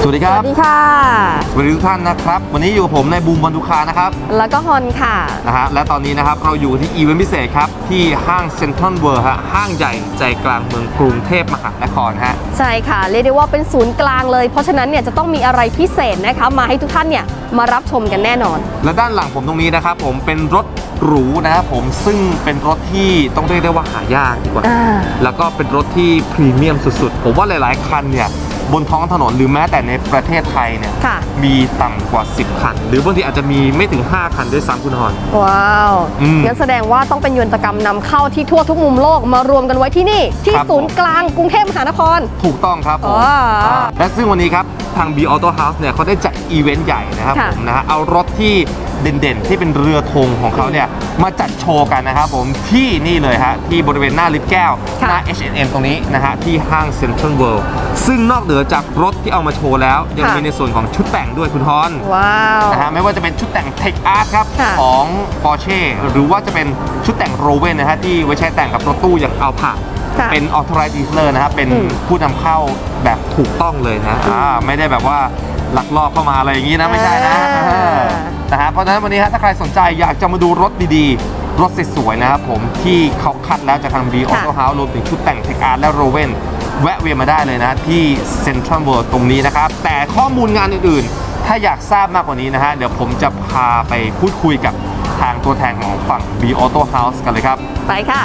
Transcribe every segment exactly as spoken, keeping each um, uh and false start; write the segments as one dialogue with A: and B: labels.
A: วัสดีครับ
B: สวัสดีค่ะ
A: สวัสดีทุกท่านนะครับวันนี้อยู่กับผมในบูมบอลทุคานะครับ
B: แล้วก็ฮอนค่ะ
A: นะฮะและตอนนี้นะครับเราอยู่ที่อีเวนต์พิเศษครับที่ห้างเซ็นทรัลเวิลด์ฮะห้างใหญ่ใจกลางเมืองกรุงเทพมหานครฮะ
B: ใช่ค่ะเรียกได้ว่าเป็นศูนย์กลางเลยเพราะฉะนั้นเนี่ยจะต้องมีอะไรพิเศษนะคะมาให้ทุกท่านเนี่ยมารับชมกันแน่นอน
A: และด้านหลังผมตรงนี้นะครับผมเป็นรถหรูนะครับผมซึ่งเป็นรถที่ต้องเรียกได้ว่าหายากดีกว่าแล้วก็เป็นรถที่พรีเมียมสุดๆผมว่าหลายๆคันเนี่ยบนท้องถนนหรือแม้แต่ในประเทศไทยเนี่ยมีต่ำกว่าสิบคันหรือบางทีอาจจะมีไม่ถึงห้าคันด้วยซ้ำคุณฮอน
B: ว้าวงั้นแสดงว่าต้องเป็นยนตกรรมนำเข้าที่ทั่วทุกมุมโลกมารวมกันไว้ที่นี่ที่ศูนย์กลางกรุงเทพมหานคร
A: ถูกต้องครับผมและซึ่งวันนี้ครับทาง B Auto House เนี่ยเขาได้จัดอีเวนต์ใหญ่นะครับผมนะฮะเอารถที่เด่นๆที่เป็นเรือธงของเขาเนี่ยมาจัดโชว์กันนะครับผมที่นี่เลยฮะที่บริเวณหน้าลิฟต์แก้วหน้า เอช แอนด์ เอ็ม ตรงนี้นะฮะที่ห้างเซ็นทรัลเวิลด์ซึ่งนอกเหนือจากรถที่เอามาโชว์แล้วยังมีในส่วนของชุดแต่งด้วยคุณฮอน
B: ว้าว
A: นะฮะไม่ว่าจะเป็นชุดแต่ง Tech Art ครับของ Porsche หรือว่าจะเป็นชุดแต่ง Roven นะฮะที่ไว้ใช้แต่งกับรถตู้อย่าง Alphardเป็น Authorized Dealer นะครับเป็นผู้นำเข้าแบบถูกต้องเลยนะอ่าไม่ได้แบบว่าลักลอบเข้ามาอะไรอย่างนี้นะไม่ใช่นะนะฮะเพราะฉะนั้นวันนี้ถ้าใครสนใจอยากจะมาดูรถดีๆรถสวยๆนะครับผมที่เขาคัดแล้วจากทาง B Auto House รวมถึงชุดแต่ง Tech Art และ Roven แวะเวียนมาได้เลยนะที่ Central World ตรงนี้นะครับแต่ข้อมูลงานอื่นๆถ้าอยากทราบมากกว่านี้นะฮะเดี๋ยวผมจะพาไปพูดคุยกับทางตัวแทนของฝั่ง B Auto House กันเลยครับ
B: ไปค่ะ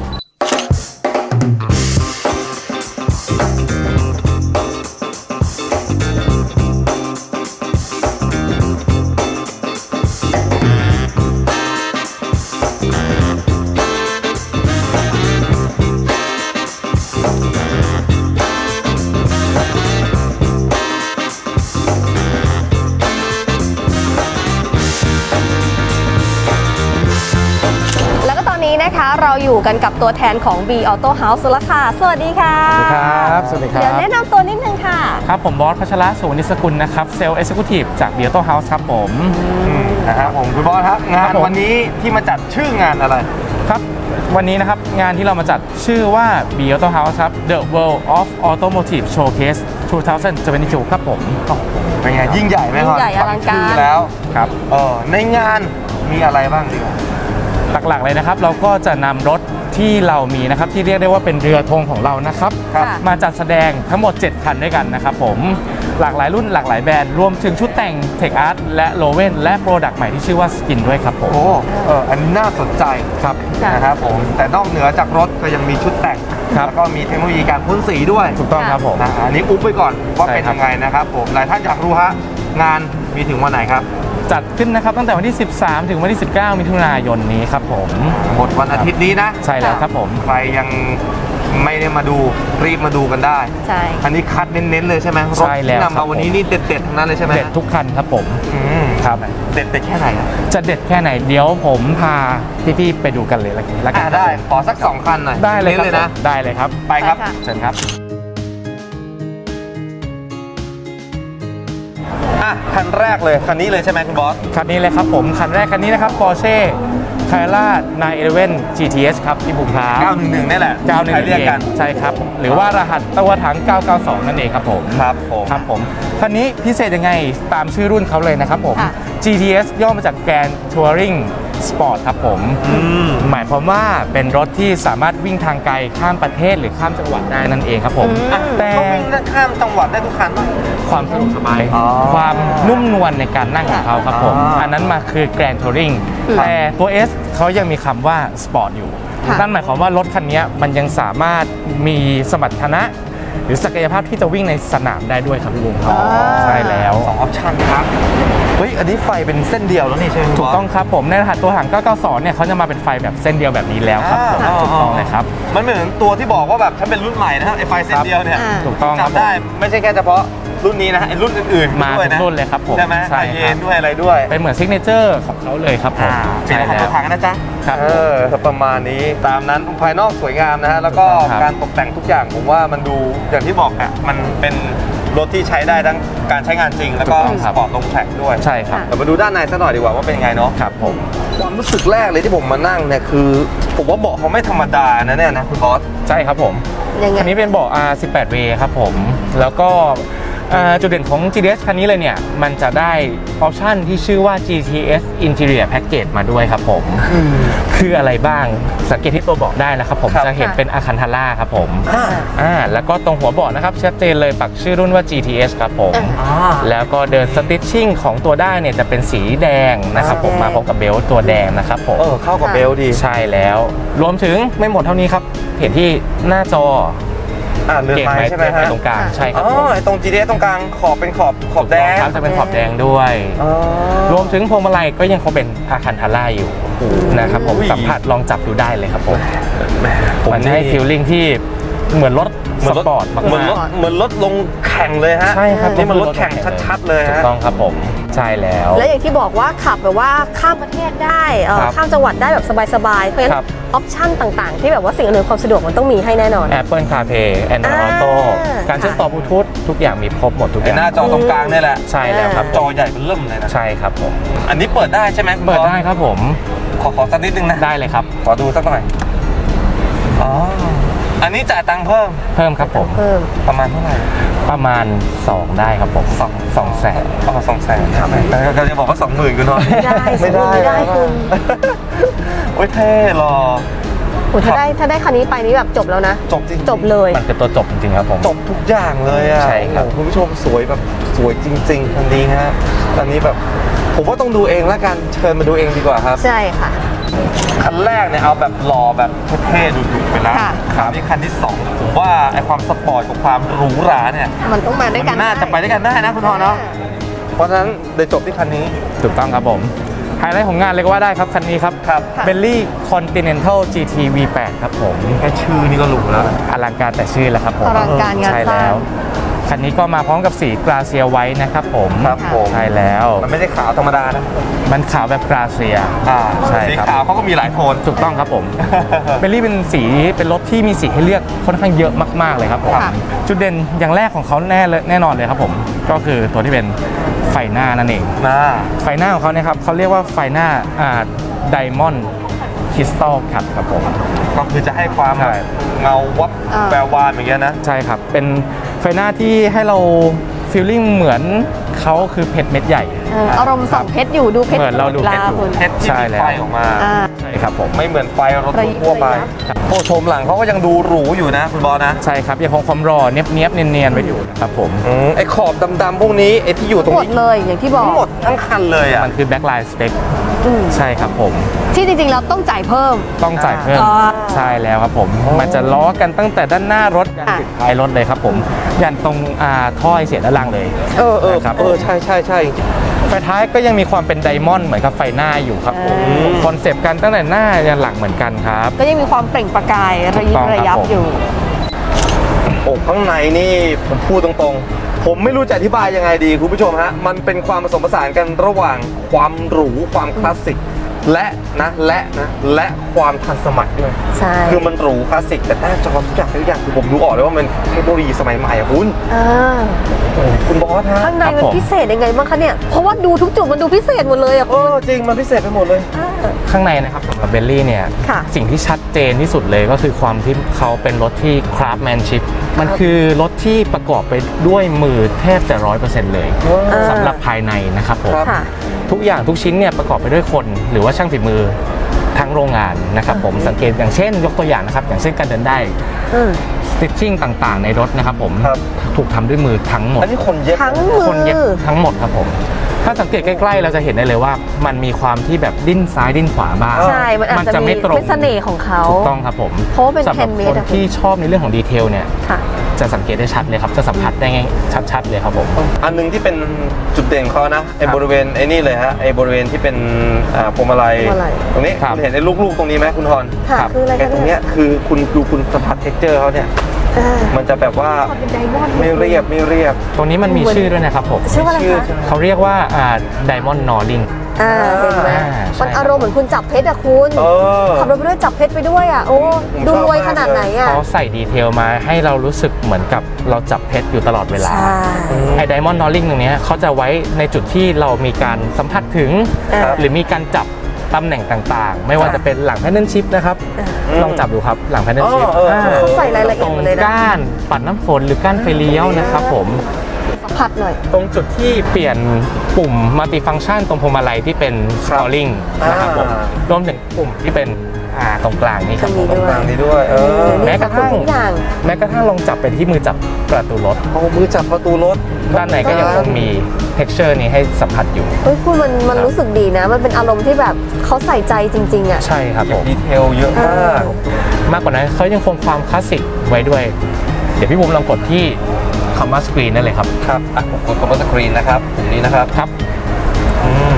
B: นะคะเราอยู่กันกับตัวแทนของ B Auto House แล้วค่ะสวัสดีค่ะ
C: สวัสดีครับสวัสดีครับ
B: เดี๋ยวแนะนำตัวนิดนึงค่ะ
C: ครับผมบอสพัชระสุวรรณิสกุลนะครับเซลล์เอ็กซิคิวทีฟจาก B Auto House ครับผม
A: นะครับผมคุณบอสครับงานวันนี้ที่มาจัดชื่องานอะไร
C: ครับวันนี้นะครับงานที่เรามาจัดชื่อว่า B Auto House ครับ The World of Automotive Showcase สองพันยี่สิบสองครับผม
A: เป็นไงยิ่งใหญ่ไหมครับ
B: ยิ่งใหญ่อลังการ
A: แล้วครับเออในงานมีอะไรบ้างดีกว่า
C: หลักๆเลยนะครับเราก็จะนำรถที่เรามีนะครับที่เรียกได้ว่าเป็นเรือธงของเรานะครับมาจัดแสดงทั้งหมดเจ็ดคันด้วยกันนะครับผมหลากหลายรุ่นหลากหลายแบรนด์รวมถึงชุดแต่ง Tech Art และ Roven และโปรดักต์ใหม่ที่ชื่อว่า Skin ด้วยครับผม
A: โอ้เอออันนี้น่าสนใจ
C: ครับ
A: นะครับผมแต่นอกเหนือจากรถก็ยังมีชุดแต่งแล้วก็มีเทคโนโลยีการพ่นสีด้วย
C: ถูกต้องครับผม
A: อันนี้อุ๊บไปก่อนว่าเป็นยังไงนะครับผมหลายท่านอยากรู้ฮะงานมีถึงวันไหนครับ
C: จัดขึ้นนะครับตั้งแต่วันที่สิบสามถึงวันที่สิบเก้ามิถุนายนนี้ครับผม
A: หมดวันอาทิตย์นี้นะ
C: ใช่แล้วครับผม
A: ใครยังไม่ได้มาดูรีบมาดูกันได้
B: ใช่
A: อันนี้คัดเน้นๆเลยใช่ไหมรถที่นำมาวันนี้นี่เด็ดๆทั้งนั้นเลยใช่ไหม
C: เด็ดทุกคันครับผม
A: ครับเด็ดเด็ดแค่ไหน
C: จะเด็ดแค่ไหนเดี๋ยวผมพาพี่ๆไปดูกันเลยละกัน
A: ได้ขอสักสองคันหน่อย
C: ได้เลยนะได้เลยครับ
A: ไปครับ
C: เชิญครับ
A: อ่ะคันแรกเลยคันนี้เลยใช่ไหมคุณบอส
C: คันนี้เลยครับผมคันแรกคันนี้นะครับ Porsche Carrera ไนน์สิบเอ็ด จี ที เอส ครับที่ผมพา
A: เก้าหนึ่งหนึ่งนี่แหละ
C: เก้าหนึ่งหนึ่งเรียกกันใช่ครับหรือว่ารหัสตัวถังเก้าเก้าสองนั่นเองครับผม
A: ครับผม
C: ครับผมคันนี้พิเศษยังไงตามชื่อรุ่นเขาเลยนะครับผม จี ที เอส ย่อมาจาก Grand Touring Sport ครับผมหมายความว่าเป็นรถที่สามารถวิ่งทางไกลข้ามประเทศหรือข้ามจังหวัดได้นั่นเองครับผม
A: แต่ก็วิ่งข้ามจังหวัดได้ทุกคัน
C: ความสะดวกสบายความนุ่มนวลในการนั่งของเขาครับผมอันนั้นมาคือ Grand Touring แต่ตัว S เขายังมีคำว่า Sport อยู่นั่นหมายความว่ารถคันนี้มันยังสามารถมีสมรรถนะหรือศักยภาพที่จะวิ่งในสนามได้ด้วยครับพี่บุ๋มครับใช่แล้ว
A: สองออปชั่นครับเฮ้ยอันนี้ไฟเป็นเส้นเดียวแล้วนี่ใช่ไหม
C: ถูกต้องครับผมในรหัสตัวถังเก้าเก้าสองเนี่ยเขาจะมาเป็นไฟแบบเส้นเดียวแบบนี้แล้วครับผมถูกต้องเลยครับ
A: มันเหมือนตัวที่บอกว่าแบบฉันเป็นรุ่นใหม่นะครับไอไฟเส้นเดียวเนี่ย
C: ถูกต้องครับ
A: ได้ไม่ใช่แค่เฉพาะรุ่นนี้นะไอรุ่นอื่น
C: ๆมาทุกรุ่นเลยครับผม
A: ใช่ไหมไฟเย็นด้วยอะไรด้วย
C: เป็นเหมือนซิกเนเจอร์ของเขาเลยครับผม
A: ใช่แล้วตัวถังนะจ๊ะ
C: ครับ
A: เออประมาณนี้ตามนั้นภายนอกสวยงามนะฮะแล้วก็การตกแต่งทุกอย่างผมว่ามันดูอย่างที่บอกอ่ะมันเป็นรถที่ใช้ได้ทั้งการใช้งานจริงแล้วก็สปอร์ตลงแทร็กด้วย
C: ใช่ครับ
A: เรามาดูด้านในซะหน่อยดีกว่าว่าเป็นยังไงเนาะ
C: ครับผม
A: ความรู้สึกแรกเลยที่ผมมานั่งเนี่ยคือผมว่าเบาะเขาไม่ธรรมดานะเนี่ยนะคุณบอส
C: ใช่ครับผมอันนี้เป็นเบาะ อาร์ สิบแปด เวย์ ครับผมแล้วก็อ่าจุดเด่นของ จี ที เอส คันนี้เลยเนี่ยมันจะได้ออปชันที่ชื่อว่า จี ที เอส Interior Package มาด้วยครับผมคืออะไรบ้างสังเกตที่ตัวเบาะได้นะครับผม
A: ครับ
C: จะเห็นเป็นอาคันทาร่าครับผม
A: อ่า
C: อ่าแล้วก็ตรงหัวเบาะนะครับชัดเจนเลยปักชื่อรุ่นว่า จี ที เอส ครับผม
A: อ่า
C: แล้วก็เดินสติชชิ่งของตัวได้เนี่ยจะเป็นสีแดงนะครับผมมาพร้อมกับเบลต์ตัวแดงนะครับผม
A: เออเข้ากับเบลดี
C: ใช่แล้วรวมถึงไม่หมดเท่านี้ครับเห็นที่หน้าจอ
A: อ่าเรือน
C: เก่ง
A: ไม้
C: ไม้
A: ใช่ไหมฮะ
C: ตรงกลางใช่ครับ
A: อ๋อ
C: ผม
A: ไอ้ตรง จี ที เอส ตรงกลางขอบเป็นขอบขอบแดง
C: ครับจะเป็นขอบแดงด้วย
A: อ๋อ
C: รวมถึงพวงมาลัยก็ยังคงเป็นอาคันทาร่าอยู่นะครับผม
A: อุ้ย
C: สัมผัสลองจับดูได้เลยครับผม
A: แหมผม
C: มันจะให้ฟีลลิ่งที่เหมือนรถ
A: เหมื
C: ส
A: อนรถ
C: ปอร์ตมาก
A: เหมือนรถ
C: ๆ
A: เหมือนรถลงแข่งเลยฮะ
C: ใช่ครับ
A: นี่มันรถแข่งชัดๆเลย
C: ถูก
A: ฮะ
C: ต้องครับผมใช่แล้ว
B: และอย่างที่บอกว่าขับแบบว่าข้ามประเทศได้เอ่อ
C: ครับ
B: ข้ามจังหวัดได้แบบสบายๆเพราะฉะนั้
C: ครั
B: น
C: บ
B: ออปชั่นต่างๆ ที่แบบว่าสิ่งอำนวยความสะดวกมันต้องมีให้แน่นอน
C: Apple CarPlay Android
B: อ่า
C: Auto การเชื่อมต่อบลูทูธทุกอย่างมีครบหมดทุกอ
A: ไอ้
C: ย่าง
A: หน้าจอตรงกลางเนี่ยแหละ
C: ใช่แล้วครับ
A: จอใหญ่เป็นเริ่มเลยนะ
C: ใช่ครับผม
A: อันนี้เปิดได้ใช่ไหมคุณ
C: เปิด
A: บอส
C: ได้ครับผม
A: ขอขอสักนิดนึงนะ
C: ได้เลยครับ
A: ขอดูสักหน่อย อ๋อ อันนี้จ่ายตังค์เพิ่ม
C: เพิ่มครับผม
B: เพิ่ม
A: ประมาณเท่าไหร่
C: ประมาณ สอง ได้ครับผมสองสองแสน
A: อ๋อสองแสนครับแล้วก็จะบอกว่าสองหมื่นคุณนอน
B: ไม่ได้
A: ไม่ได้
B: ไม่ได้คุณ
A: โอ้ยเท่หรอ
B: โอ้ถ้าได้ถ้าได้คันนี้ไปนี่แบบจบแล้วนะ
A: จบจริงๆ
B: จบเลย
C: มันคือตัวจบจริงๆครับผม
A: จบทุกอย่างเลยอ่ะ
C: ใช่ครับ
A: โอ้โหคุณผู้ชมสวยแบบสวยจริงๆคันนี้ฮะอันนี้แบบผมว่าต้องดูเองแล้วกันเชิญมาดูเองดีกว่าครับ
B: ใช่ค่ะ
A: คันแรกเนี่ยเอาแบบหล่อแบบเท่ๆดุๆไปแล้ว
B: ค่ะ
A: ครับนี่คันที่สองผมว่าไอความสปอร์ตกับความหรูหราเนี่ย
B: มันต้องมาด้วยกั
A: มัน นน่าจะไปด้วยกันได้นะคุณทอเนาะเพราะฉะนั้นเดี๋ยวจบที่คันนี้
C: ถูกต้องครับผมไฮไลท์ของงานเลยก็ว่าได้ครับคันนี้ครับ
A: ครับ
B: ค่ะ
C: Bentley Continental จี ที วี แปด ครับผม
A: แค่ชื่อนี่ก็หรูแล้ว
C: อลังการแต่ชื่อแล้วครับผม
B: อลังการงาน
C: ใช่
B: สร้าง
C: แล้วคันนี้ก็มาพร้อมกับสีกราเซียไว้นะครับผม
A: ครับผม
C: ใช่แล้ว
A: มันไม่ใช่ขาวธรรมดานะ
C: มันขาวแบบกราเซีย
A: อ่า
C: ใช่
A: สี
C: ครับ
A: ขาวเขาก็มีหลายโทน
C: ถูกต้องครับผม เบลลี่เป็นสีเป็นรถที่มีสีให้เลือกค่อนข้างเยอะมากๆเลยครับผม
B: ค่ะ
C: จุดเด่นอย่างแรกของเขาแน่เลยแน่นอนเลยครับผมก็คือตัวที่เป็นไฟหน้านั่นเอง
A: นะ
C: ไฟหน้าของเขาเนี่ยครับเขาเรียกว่าไฟหน้าอ่าไดมอนด์คริสตัลคัทครับผม
A: ก็คือจะให้ความ
C: ใช่
A: เงาวับ
B: อ่า
A: แวววานอย่างเงี้ยนะ
C: ใช่ครับ เป็นไฟหน้าที่ให้เราฟีลลิ่งเหมือนเขาคือเพชรเม็ดใหญ่
B: เอออารมณ์ส่องเพชรอยู่ดูเพชร
C: เหมือนเราดูเพชรอยู่
B: คุณ
A: เพชรที่
C: ใช่
A: มี
C: แล้ว
A: ไฟออกมา
B: อ่า
C: ใช่ครับผม
A: ไม่เหมือนไฟรถ
B: ระยิบ
A: ทั่วไป
B: ระยับ
A: โอ้โชมหลังเขาก็ยังดูหรูอยู่นะคุณบอสนะ
C: ใช่ครับยังคงความรอเนียบเนียบๆเนียนๆไว้อยู่นะครับผม
A: อืมไอ้ขอบดำๆพวกนี้ไอ้ที่อยู่ตรง
B: หมด
A: นี้
B: เลยอย่างที่บอก
A: ทั้งหมดทั้งคันเลยอ่ะ
C: มันคือแบ็คไลน์สเปค
B: อืม
C: ใช่ครับผม
B: ที่จริงๆเราต้องจ่ายเพิ่ม
C: ต้องจ่ายเพิ่ม
B: อ่า
C: ใช่แล้วครับผม มันจะล้อกันตั้งแต่ด้านหน้ารถยัน
B: ค่ะ
C: ติดท้ายรถเลยครับผมยันตรงอ่าท่อไอเสียด้านล่างเลย
A: เออเออ
C: นะครับ
A: เออใช่ใช่ใช่
C: ไฟท้ายก็ยังมีความเป็นไดมอนด์เหมือนกับไฟหน้าอยู่ครับผม
A: อืม
C: คอนเซปต์กันตั้งแต่หน้ายันหลังเหมือนกันครับ
B: ก็ยังมีความเปล่งประกายระยิ
C: ถูกต้
B: บ
C: องครับ
B: ระยับ
C: ผม
B: อยู่
A: โอ้ข้างในนี่ผมพูดตรงๆ ผมไม่รู้จะอธิบายยังไงดีคุณผู้ชมฮะ มันเป็นความผสมผสานกันระหว่างความหรูความคลาสสิก และนะและนะและความทันสมัยด้วย
B: ใช่
A: คือมันหรูคลาสสิกแต่หน้าจอทุกอย่างทุกอย่างคือผมดูออกเลยว่ามันเทคโนโลยีสมัยใหม่อะคุณ
B: อ่า
A: โอ้คุณบอสฮะ
B: ข้างใน
C: ครับ
B: มัน
C: ผม
B: พิเศษยังไงบ้างคะเนี่ย เพราะว่าดูทุกจุดมันดูพิเศษหมดเลยอ่ะ
A: เออจริงมันพิเศษไปหมดเลย
B: อ่า
C: ข้างในนะครับสำหรับเบลลี่เนี่ย
B: ค่ะ
C: สิ่งที่ชัดเจนที่สุดเลยก็คือความที่เขาเป็นรถที่คราฟแมนชิพมันคือรถที่ประกอบไปด้วยมือแทบจะร้อยเปอร์เซ็นต์เลย
B: อ่า
C: สำหรับภายในนะครับผม
A: ครับ
B: ค่ะ
C: ทุกอย่างทุกชิ้นเนี่ยประกอบไปด้วยคนหรือว่าช่างฝีมือทั้งโรงงานนะครับผมสังเกตอย่างเช่น ยกตัวอย่างนะครับ อย่างเช่นการเดินได้
B: อืม
C: สติชชิ่งต่างๆ ในรถนะครับผม
A: ครับ
C: ถูกทำด้วยมือทั้งหมด
A: อันนี้คนเย็บ
B: ทั้งมือ
C: คนเย็บทั้งหมดครับผมถ้าสังเกตใกล้ๆ เราจะเห็นได้เลยว่า มันมีความที่แบบดิ้นซ้ายดิ้นขวาบ้าง
B: ใช่ มันอาจจะมี
C: ไม่ตรง
B: เป็นเสน่ห์ของเขา
C: ถูกต้องครับผม
B: เพราะว่าเป็น
C: สำหรับ
B: handmade
C: คน
B: อะคุณ
C: ที่ชอบในเรื่องของดีเทลเนี่ย
B: ค่ะ
C: จะสังเกตได้ชัดเลยครับจะสัมผัสได้ง่ายชัดๆเลยครับผม
A: อันหนึงที่เป็นจุดเด่นของเขานะไอ้
C: ครับ
A: บริเวณไอ้นี่เลยฮะไอ้บริเวณที่เป็นอ่าพวงมาลัย
B: พวงมาลัย
A: ตรงนี้
C: ครับ
A: คุณเห็นไอ้ลูกๆตรงนี้ไหมคุณทอน
B: ค่ะ
C: ครับ
B: คืออะไร
A: ไอ้
B: คะ
A: ตรง
B: เนี่
A: เนี้
B: ย
A: ยคือคุณดูคุณสัมผัสเท็กเจอร์เขาเนี่ย
B: อ่า
A: มันจะแบบว่า
B: ความเป็นไดมอนด์
A: ไม่เรียบไม่เรียบ
C: ตัวนี้มันมีชื่อด้วยนะครับผม
B: ชื่อว่าอะไร
A: ชื่อ
B: คะ
A: ใช่ไหม
C: เขาเรียกว่าไดมอนด์นอริง
B: อ่าเห็นไหม
C: อ่าใช่
B: มันอารมณ์เหมือนคุณจับเพชรอะคุณ
A: เออ
B: ขับรถไปด้วยจับเพชรไปด้วยอะโอ้
A: ผม
B: ดู
A: ชอบ
B: รวย
A: มาก
B: ขนาดไหนอะ
C: เขาใส่ดีเทลมาให้เรารู้สึกเหมือนกับเราจับเพชรอยู่ตลอดเวลา
B: ใช่
C: ไอ้ไดมอนด์นอริงตรงเนี้ยเขาจะไว้ในจุดที่เรามีการสัมผัสถึง
B: ครับ
C: หรือมีการจับตำแหน่งต่างๆ ไม่ว่าจะเป็นหลังแพนเดิลชิพนะครับ
A: อืม
C: ลองจับดูครับหลังแพนเดิลชิพ
A: อ๋อเออเออ
B: เขาใส่รายละเอียดหมดเลยนะ
C: ก้านปัดน้ำฝนหรือก้านไฟเลี้ยวนะครับผม
B: สัมผัสหน่อย
C: ตรงจุดที่เปลี่ยนปุ่มมัลติฟังก์ชันตรงพวงมาลัยที่เป็น scrolling นะครับผมรวมถึงปุ่มที่เป็นอ่าตรงกลางนี่ครับผม
B: ตรงนี้ด้วย
A: ต่างนี้ด้วยเออ
C: แม้กระทั่ง
B: ทุกอย่าง
C: แม้กระทั่งลองจับไปที่มือจับประตูรถ
A: เอามือจับประตูรถ
C: ด้านในก็ยังคงมี texture นี้ให้สัมผัสอยู่
B: เฮ้ยคุณมันมันรู้สึกดีนะ มันเป็นอารมณ์ที่แบบเขาใส่ใจจริงๆอ่ะ
C: ใช่ครับผม
A: ดีเทลเยอะมาก
C: มากกว่านั้นเขายังคงความคลาสสิกไว้ด้วย เดี๋ยวพี่บุ๋มลองกดที่คำว่า screen ได้เลยครับ
A: ครับอ่ะผมกดคำว่าสกรีนนะครับตรงนี้นะครับ
C: ครับอืม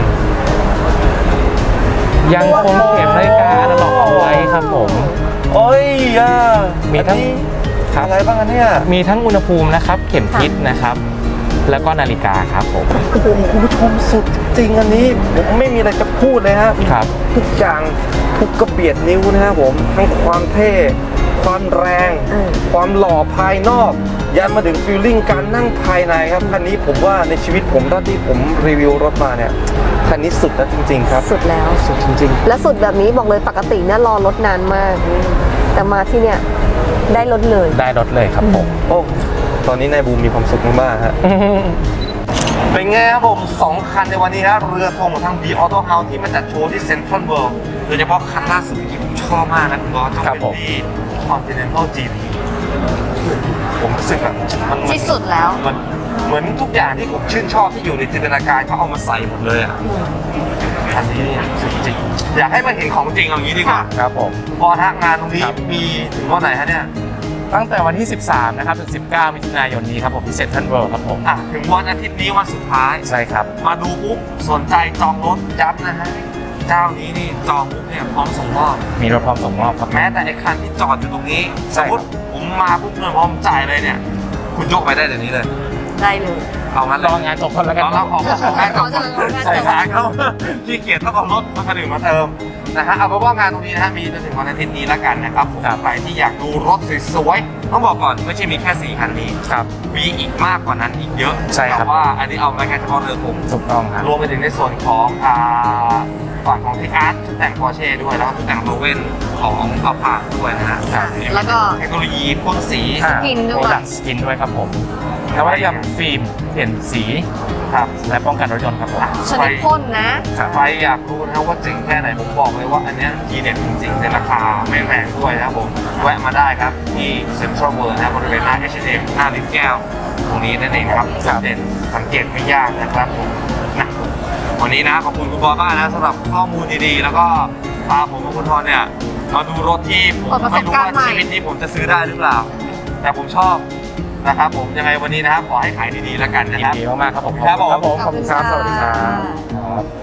C: ยังคงเข็มนาฬิกาอนาล็อกเอาไว้ครับผม
A: โอ้ยอ่ะ
C: มีทั้ง
A: อันนี้
C: ครับ
A: อะไรบ้างอันเนี่ย
C: มีทั้งอุณหภูมินะครับ เข็มทิศนะครับ แล้วก็นาฬิกาครับผม
A: โอ้โหคุณผู้ชมสุดจริงอันนี้ผมไม่มีอะไรจะพูดเลยฮะ
C: ครับ
A: ทุกอย่างทุกกระเบียดนิ้วนะครับผมทั้งความเท่ ความแรง
B: อืม
A: ความหล่อภายนอก ยันมาถึงฟีลลิ่งการนั่งภายในครับคันนี้ผมว่าในชีวิตผมตอนที่ผมรีวิวรถมาเนี่ยคันนี้สุดแล้วจริง ๆ ครับ
B: สุดแล้ว
A: สุดจริง
B: และสุดแบบนี้บอกเลยปกติเนี่ยรอรถนานมาก แต่มาที่เนี่ยได้รถเลย
C: ได้รถเลยครับผม
A: ๆ โอ้ตอนนี้นายบูมมีความสุขมากๆฮะ เป็นไงครับผมสองคันในวันนี้นะเรือธงของทาง B Auto House ที่มาจัดโชว์ที่ Central World โดยเฉพาะคันล่าสุดที่ผมชอบมากนะคุณบอสต้อง
C: ครับ
A: เป็น
C: ผม
A: ที่ Continental จี พี ผมรู้สึกแบบมันเหมือน
B: ที่สุดแล้ว
A: มันเหมือนทุกอย่างที่ผมชื่นชอบที่อยู่ในจินตนาการเขาเอามาใส่หมดเลยอ่ะคันนี้เนี่ยสุดจริงอยากให้มาเห็นของจริงเอางี้ดีกว่า
C: ครับผม
A: พอฮะงานตรงนี้
C: ครับ
A: มีถึงวันไหนฮะเนี่ย
C: ตั้งแต่วันที่ สิบสาม นะครับ ถึง สิบเก้า มิถุนายนนี้ครับผมที่เซ็นทรัลเวิลด์ครับผม
A: อ่ะถึงวันอาทิตย์นี้วันสุดท้าย
C: ใช่ครับ
A: มาดูปุ๊บสนใจจองรถย้ำนะฮะเจ้านี้นี่จองปุ๊บเนี่ยพร้อมส่งมอบ
C: มีรถพร้อมส่งมอบครับ
A: แม้แต่ไอ้คันที่จอดอยู่ตรงนี้
C: ใช่
A: สมมติผมมาปุ๊บเงินพร้อมจ่ายเลยเนี่ย คุณยกไปได้เดี๋ยวนี้เลย
B: ได้เลย
A: เอางั้นเล
C: รอย งานจบคนแล้วกัน
A: รอเราขอขอแค่
B: ขอเชิญขอแค่
A: ใส่ขาเข้าขี้เกียจต้องเอารถมาคันอื่นมาเติมนะฮะเอาเป็นว่างานตรงนี้นะฮะมีจนถึงวันอาทิตย์นี้แล้วกันนะครับผมใครที่อยากดูรถสวยๆต้องบอกก่อนไม่ใช่มีแค่สี่คันนี้
C: ครับ
A: มีอีกมากกว่านั้นอีกเยอะ
C: ใช่ครับ
A: แต่ว่าอันนี้เอามาแค่เฉพาะเรือผม
C: ถูกต้องครับ
A: รวมไปถึงในส่วนของอ่าฝั่งของที่อาร์ตชุดแต่งปอร์เช่ด้วยแล้วก็ชุดแต่งโรเว่นของอัลพาด้วยนะฮะ
B: ค่ะแล้วก็
A: เทคโนโลยีพ่นสี
B: สกินด้วย
C: โปรดักต์สกินด้วยครับผมนวัตกรรมฟิล์มเปลี่ยนสี
A: ครับ
C: และป้องกันรถยนต์ครับผม
B: ชนิดพ่นนะ
C: ครับ
A: ใครอยากรู้นะครับว่าจริงแค่ไหนผมบอกเลยว่าอันเนี้ยทีเด็ดจริงๆในราคาไม่แพงด้วยนะครับผมแวะมาได้ครับที่เซ็นทรัลเวิลด์นะบริเวณหน้า เอช แอนด์ เอ็ม หน้าลิฟต์แก้วตรงนี้นั่นเองครับ
C: ครับ
A: เด่นสังเกตไม่ยากนะครับผมนะวันนี้นะขอบคุณคุณบอสมากนะสำหรับข้อมูลดีๆ แล้วก็พาผมกับคุณทอนเนี่ยมาดูรถที่ผม
B: เปิดประส
A: ไม่
B: บ
A: รู้
B: การณ์
A: ว่า
B: ใหม่
A: ชีวิตนี้ผมจะซื้อได้หรือเปล่า แต่ผมชอบนะครับผมยังไงวันนี้นะครับขอให้ขายดีๆแล้วกันนะ
C: ยิ
A: คน รับ
C: ดีมากๆครับผม
A: ครับผม
C: ขอบคุณครับ สวัสดีครับ